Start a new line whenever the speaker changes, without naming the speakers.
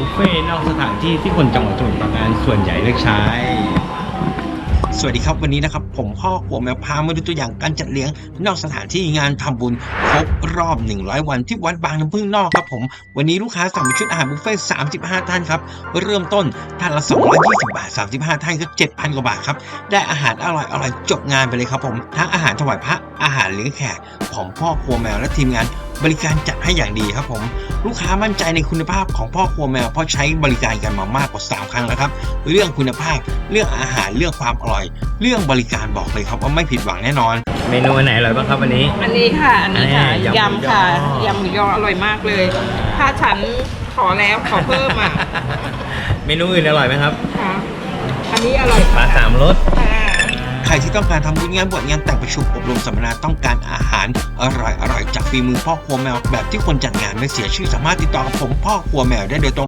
ฟเฟ่ต์นอกสถานที่ที่คนจังหวัดสมุทรปราการส่วนใหญ่เลือกใช้
สวัสดีครับวันนี้นะครับผมพ่อครัวแมวพามาดูตัวอย่างการจัดเลี้ยงนอกสถานที่งานทำบุญครบรอบ100วันที่วัดบางน้ำพึ่งนอกครับผมวันนี้ลูกค้าสั่งเป็นชุดอาหารบุฟเฟ่ต์35ท่านครับเริ่มต้นท่านละ220บาท35ท่านก็ 7,000 กว่าบาทครับได้อาหารอร่อยจบงานไปเลยครับผมทั้งอาหารถวายพระอาหารเลี้ยงแขกของพ่อครัวแมวและทีมงานบริการจัดให้อย่างดีครับผมลูกค้ามั่นใจในคุณภาพของพ่อครัวแมวเพราะใช้บริการกันมามากกว่า3ครั้งแล้วครับเรื่องคุณภาพเรื่องอาหารเรื่องความอร่อยเรื่องบริการบอกเลยครับว่าไม่ผิดหวังแน่นอน
เมนูอันไหนอร่อยบ้างครับวันนี้
อันนี้ค่ะ อันนี้ค่ะ
ยำหมูยอ
ยำค่ะยำหมูยออร่อยมากเลย ถ้าฉันขอแล้วขอเพิ่มอ่ะ
เมนูอื่นอร่อยไหมครับ
ค่ะ อันนี้อร่อย
ปลาสามรส
ค่ะ
ใครที่ต้องการทำบุญงานบวชงานแต่งประชุมอบรมสัมมนาต้องการอาหารอร่อยจากฝีมือพ่อครัวแมวแบบที่คนจัดงานไม่เสียชื่อสามารถติดต่อกับผมพ่อครัวแมวได้โดยตรง